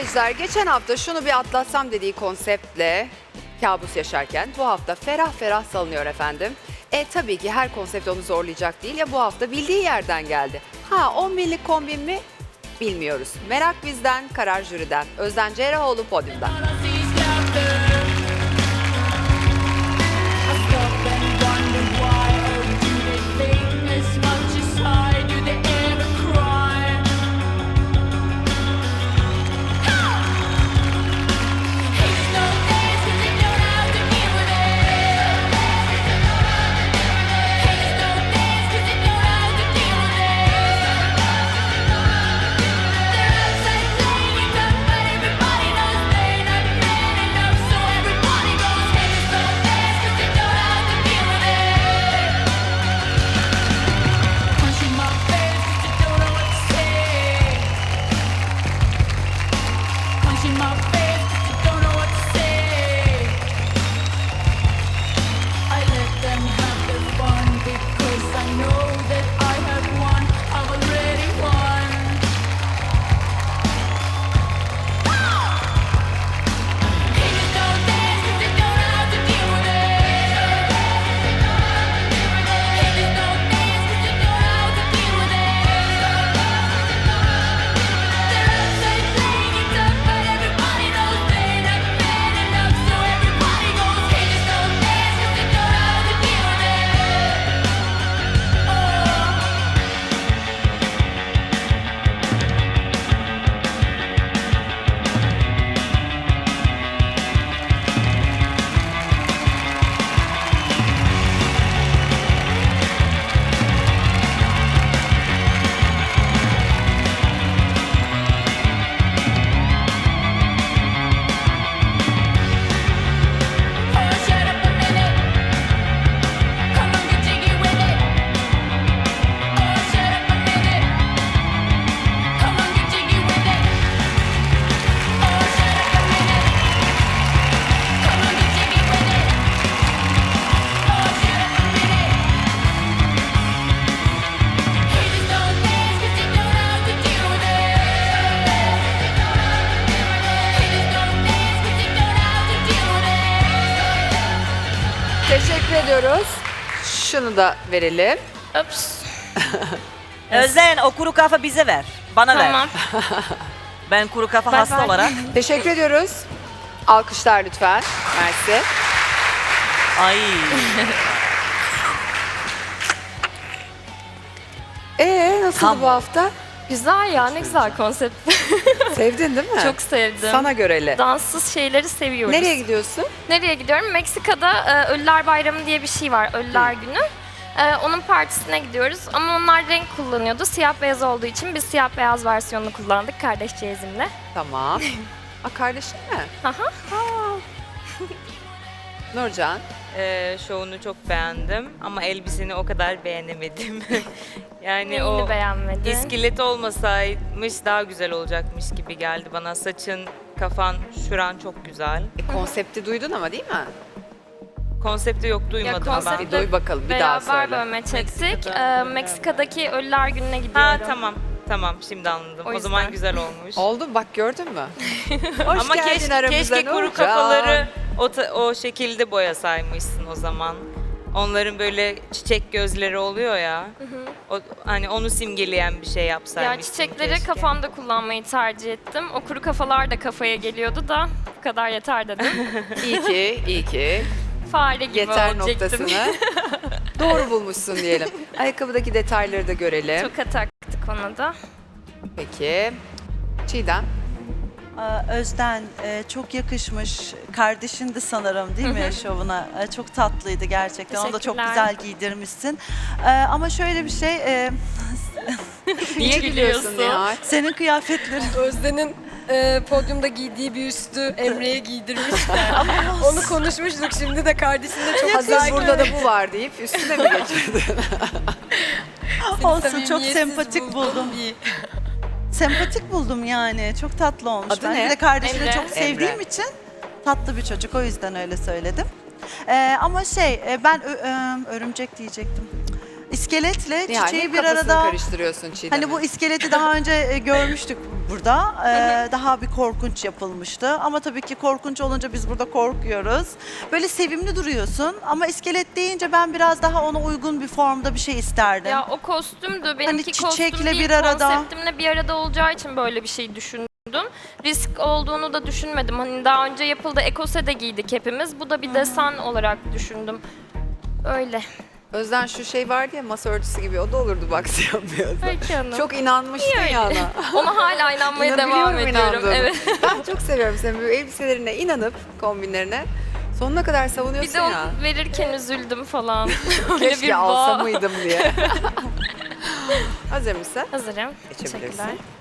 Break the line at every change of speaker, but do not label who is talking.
seyirciler, geçen hafta şunu bir atlatsam dediği konseptle kabus yaşarken bu hafta ferah ferah salınıyor efendim. Tabii ki her konsept onu zorlayacak değil ya, bu hafta bildiği yerden geldi. 10 binlik kombin mi? Bilmiyoruz. Merak bizden, karar jüriden. Özden Cerrahoğlu podyumda. Teşekkür ediyoruz. Şunu da verelim.
Ups.
Özden o kuru kafa bize ver. Bana ver.
Tamam.
Ben kuru kafa
Bye
hasta
bye.
olarak.
Teşekkür ediyoruz. Alkışlar lütfen. Mersi.
Ay.
Nasıldı
Tam.
bu hafta?
Güzel ya, ne güzel konsept.
Sevdin değil mi?
Çok sevdim.
Sana göreli.
Danssız şeyleri seviyoruz.
Nereye gidiyorsun?
Nereye gidiyorum? Meksika'da Ölüler Bayramı diye bir şey var, Ölüler Günü. Onun partisine gidiyoruz ama onlar renk kullanıyordu. Siyah beyaz olduğu için biz siyah beyaz versiyonunu kullandık kardeş çeyizimle.
Tamam. Kardeşin mi?
Aha.
Nurcan.
Şovunu çok beğendim ama elbiseni o kadar beğenemedim. Yani
Neyini
o
beğenmedin?
iskelet olmasaymış daha güzel olacakmış gibi geldi bana. Saçın, kafan, şuran çok güzel.
Konsepti duydun ama değil mi?
Konsepti yok duymadım
konsepti-
ben.
Bir duy bakalım, bir daha
Beraber
söyle.
böyle çektik.
Meksika'da.
Meksika'daki Ölüler Günü'ne gidiyorum.
Ha tamam şimdi anladım.
O
O zaman
yüzden.
güzel olmuş.
Oldu bak, gördün mü? Hoş
Ama
geldin aramıza
keşke kuru
Nurcan.
kafaları o şekilde boyasaymışsın o zaman. Onların böyle çiçek gözleri oluyor ya. Hani onu simgeleyen bir şey
Ya
yapsaymışsın
çiçekleri
keşke.
kafamda kullanmayı tercih ettim. O kuru kafalar da kafaya geliyordu da bu kadar yeter dedim.
İyi ki.
Fare gibi
Yeter
olacaktım.
noktasını doğru bulmuşsun diyelim. Ayakkabıdaki detayları da görelim.
Toka taktık ona da.
Peki. Çiğdem.
Özden çok yakışmış. Kardeşin de sanırım değil mi şovuna? Çok tatlıydı gerçekten. Onu da çok
Teşekkürler.
güzel giydirmişsin. Ama şöyle bir şey,
Niye gülüyorsun?
Nihal?
senin kıyafetlerin
Özden'in podyumda giydiği bir üstü Emre'ye giydirmişler. Onu konuşmuştuk, şimdi de kardeşinle çok
Hazır burada da bu var deyip üstüne mi geçirdin?
olsun, çok
samimiyetsiz
sempatik buldum. Sempatik buldum yani. Çok tatlı olmuş.
Adı
Ben
ne?
bir de kardeşini
Emre.
çok sevdiğim
Emre.
için tatlı bir çocuk. O yüzden öyle söyledim. Ama ben örümcek diyecektim. İskeletle
Yani
çiçeği
hep
bir
kafasını
arada.
karıştırıyorsun Çiğdem'in.
Hani bu iskeleti daha önce görmüştük burada. Daha bir korkunç yapılmıştı. Ama tabii ki korkunç olunca biz burada korkuyoruz. Böyle sevimli duruyorsun ama iskelet deyince ben biraz daha ona uygun bir formda bir şey isterdim.
Ya o kostümdü. Benimki
çiçekle
kostüm değil,
bir arada.
konseptimle bir arada olacağı için böyle bir şey düşündüm. Risk olduğunu da düşünmedim. Hani daha önce yapıldı, ekose de giydik hepimiz. Bu da bir desen olarak düşündüm. Öyle.
Özden şu şey vardı ya, masa örtüsü gibi, o da olurdu bak siyah beyaz.
Peki hanım.
Çok inanmıştın
öyle?
ya ona.
Ona hala inanmaya devam
İnanabiliyorum
ediyorum.
inandığını.
Evet.
Ben çok seviyorum senin böyle elbiselerine inanıp kombinlerine sonuna kadar savunuyorsun
Bir de
ya.
onu verirken üzüldüm falan. Öyle
Keşke alsa mıydım diye. Hazır mısın?
Hazırım.
Geçebilirsin.
Teşekkürler.